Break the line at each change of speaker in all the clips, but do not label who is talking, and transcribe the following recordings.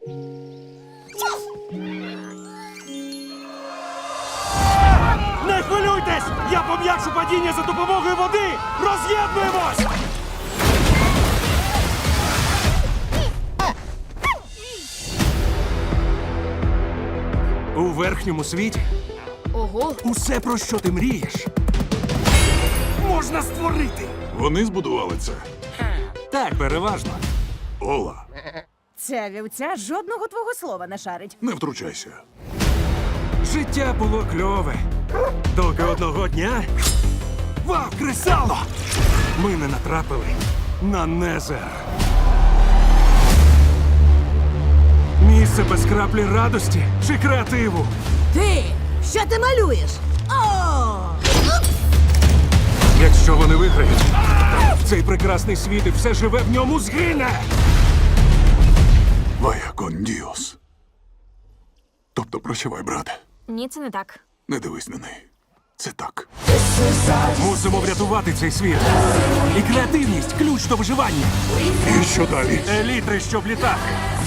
Не хвилюйтесь! Я пом'якшу падіння за допомогою води! Роз'єднуємось! У верхньому світі
Ого.
усе, про що ти мрієш, можна створити.
Вони збудували це.
Так, переважно.
Ола,
Ця вівця жодного твого слова не шарить.
не втручайся.
Життя було кльове. Доки одного дня. Вау, кресало! Ми не натрапили на Незер. Місце без краплі радості чи креативу.
Ти! Що ти малюєш? О!
Якщо вони виграють, цей прекрасний світ і все живе в ньому згине.
Вая кон діос. Тобто прощавай, брате.
Ні, це не так.
Не дивись на неї. Це так.
Мусимо врятувати цей світ. І креативність – ключ до виживання.
І що далі?
Елітри, щоб літати.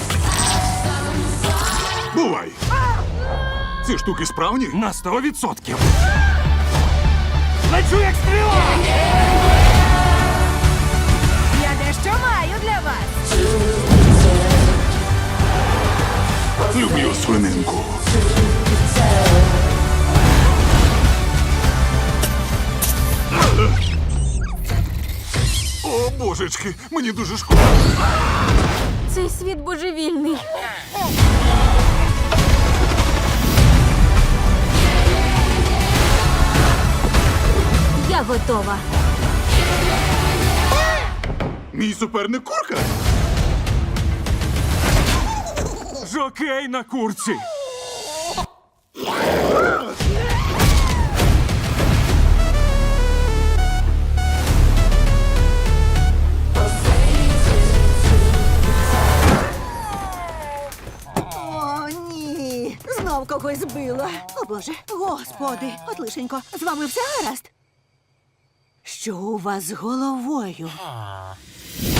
Бувай! Ці штуки справні?
На 100%. Лечу як стріла!
Я дещо маю для вас.
Люблю свининку. О, божечки, мені дуже шкода.
Цей світ божевільний. Я готова.
Мій суперник курка?
Жокей на курці.
О, ні. Знов когось збила. О, Боже. Господи. От лишенько. З вами все гаразд? Що у вас з головою?